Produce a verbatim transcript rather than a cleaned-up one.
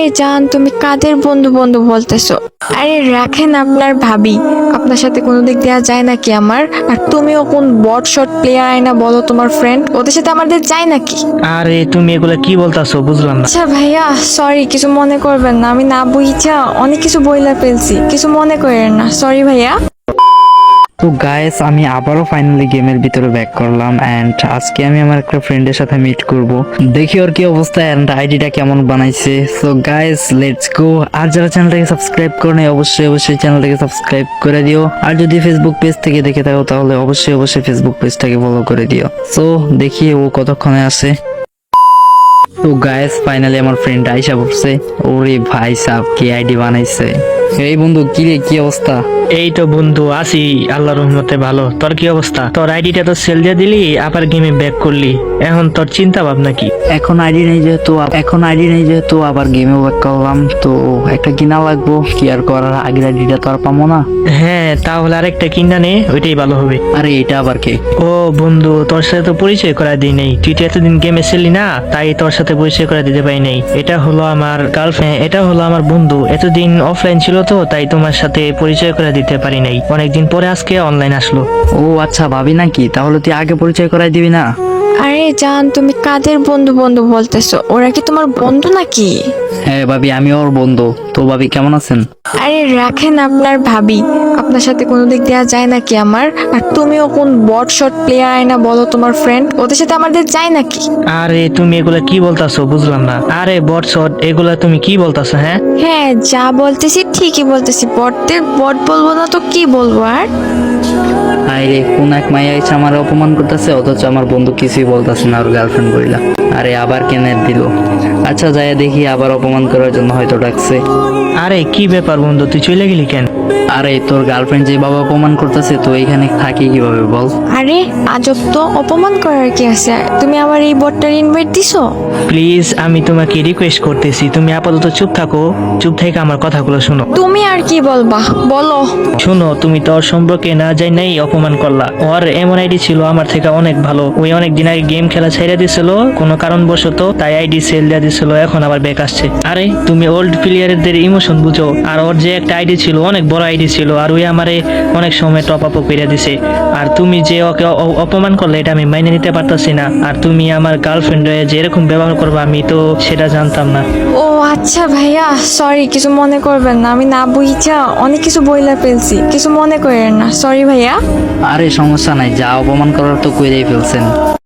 জান, তুমি কাদের বন্ধু বন্ধু বলতেছো? আরে রাখেন, আপনার ভাবি, আপনার সাথে কোনো দিক দেওয়া যায় নাকি আমার? আর তুমিও কোন বট শট প্লেয়ার আয়না বলো, তোমার ফ্রেন্ড, ওদের সাথে আমাদের যায় নাকি? আরে তুমি এগুলা কি বলতাছো বুঝলাম না। আচ্ছা ভাইয়া, সরি, কিছু মনে করবেন না, আমি না বুঝিছা অনেক কিছু বইলা ফেলছি, কিছু মনে করেন না, সরি ভাইয়া। তো গাইস, আমি আবারও ফাইনালি গেমের ভিতরে ব্যাক করলাম এন্ড আজকে আমি আমার একটা ফ্রেন্ডের সাথে মিট করব, দেখি ওর কি অবস্থা এন্ড আইডিটা কেমন বানাইছে। So guys, let's go. আর যারা চ্যানেলটাকে সাবস্ক্রাইব করে নাই অবশ্যই অবশ্যই চ্যানেলটাকে সাবস্ক্রাইব করে দিও, আর যদি ফেসবুক পেজ থেকে দেখে থাকো তাহলে অবশ্যই অবশ্যই ফেসবুক পেজটাকে ফলো করে দিও। সো দেখি ও কতক্ষণে আসে। তো গাইস, ফাইনালি আমার ফ্রেন্ড আইসা পড়ছে। ওরে ভাই সাব, কি আইডি বানাইছে! এই বন্ধু, কি রে, কি অবস্থা? এই তো বন্ধু আছি, আল্লাহর রহমতে ভালো। তোর কি অবস্থা? তোর আইডিটা তো সেল দিয়ে দিলি, আবার গেমে ব্যাক করলি, এখন তোর চিন্তা ভাবনা কি? এখন আইডি নেই যেহেতু এখন আইডি নেই যেহেতু আবার গেমে ব্যাক করলাম, তো একটা কিনা লাগবো, কি আর করার, আগের আইডিটা তো আর পাবো না। হ্যাঁ, তাহলে আরেকটা কিনা নে, ওইটাই ভালো হবে। আরে এটা আবার কে? ও বন্ধু, তোর সাথে তো পরিচয় করা দিই নাই, তুই তো এতদিন গেমে ছিলি না, তাই তোর সাথে পরিচয় করা দিতে পারি নাই। এটা হলো আমার গার্লফ্রেন্ড, এটা হলো আমার বন্ধু, এতদিন অফলাইন ছিল তো তাই তোমার সাথে পরিচয় করে দিতে পারি নাই, অনেকদিন পরে আজকে অনলাইন আসলো। ও আচ্ছা, ভাবি নাকি? তাহলে তুই আগে পরিচয় করাই দিবি না? আরে জান, তুমি কাদের বন্ধু বন্ধু বলতেছো? ওরা কি তোমার বন্ধু নাকি? হ্যাঁ ভাবি, আমি ওর বন্ধু। তো ভাবি কেমন আছেন? আরে রাখেন, আপনার ভাবি, আপনার সাথে কোনো দিক দেওয়া যায় নাকি আমার? আর তুমিও কোন বট শট প্লেয়ার আয়না বলো, তোমার ফ্রেন্ড, ওদের সাথে আমাদের যায় নাকি? আরে তুমি এগুলা কি বলতাছো বুঝলাম না। আরে বট শট এগুলা তুমি কি বলতাছো? হ্যাঁ হ্যাঁ, যা বলতেছি ঠিকই বলতেছি, বটদের বট বলবো না তো কি বলবো আর? আরে কোন এক মাইয়া এসে আমার অপমান করতেছে, অথচ আমার বন্ধু কিছুই বলতেছে না, ওর গার্লফ্রেন্ড বইলা। আরে আবার কেনে দিল। আচ্ছা, যাই দেখি, আবার অপমান করার জন্য হয়তো ডাকছে। আরে কি ব্যাপার বন্ধু, তুই চলে গেলি কেন? আরে তোর গার্লফ্রেন্ড যে বাবা অপমান করতেছে, তো এখানে থাকি কিভাবে বল? আরে আজব তো, অপমান করার কি আছে? তুমি আমার এই বটটার ইনভাইট দিছো? প্লিজ আমি তোমাকে রিকোয়েস্ট করতেছি, তুমি আপাতত চুপ থাকো, চুপ থেকে আমার কথাগুলো শোনো। তুমি আর কি বলবা, বলো। শোনো, তুমি তো ওর সম্পর্কে না যাই নাই অপমান করলা। ওর এমন আইডি ছিল আমার থেকে অনেক ভালো, ওই অনেক দিন আগে গেম খেলা ছেড়ে দিছিল কোনো কারণবশত, তাই আইডি সেল দিয়ে দিছিল, এখন আবার ব্যাক আসছে। আরে তুমি ওল্ড প্লেয়ারদের ইমোশন বুঝো, আর ওর যে একটা আইডি ছিল, অনেক বড় আইডি ছিল, আর ওই আমারে অনেক সময় টপ আপ করে দিছে। আর তুমি যে ওকে অ- অপমান করলে, এটা আমি মাইনে নিতে পারতাছি না। আর তুমি আমার গার্লফ্রেন্ড যে এরকম ব্যবহার করবে, আমি তো সেটা জানতাম না। ও আচ্ছা ভাইয়া, সরি, কিছু মনে করবেন না, আমি না বুঝিছা অনেক কিছু বইলা ফেলছি, কিছু মনে করেন না, সরি ভাইয়া। আরে সমস্যা নাই, যা অপমান করার তো কইরেই ফেলছেন।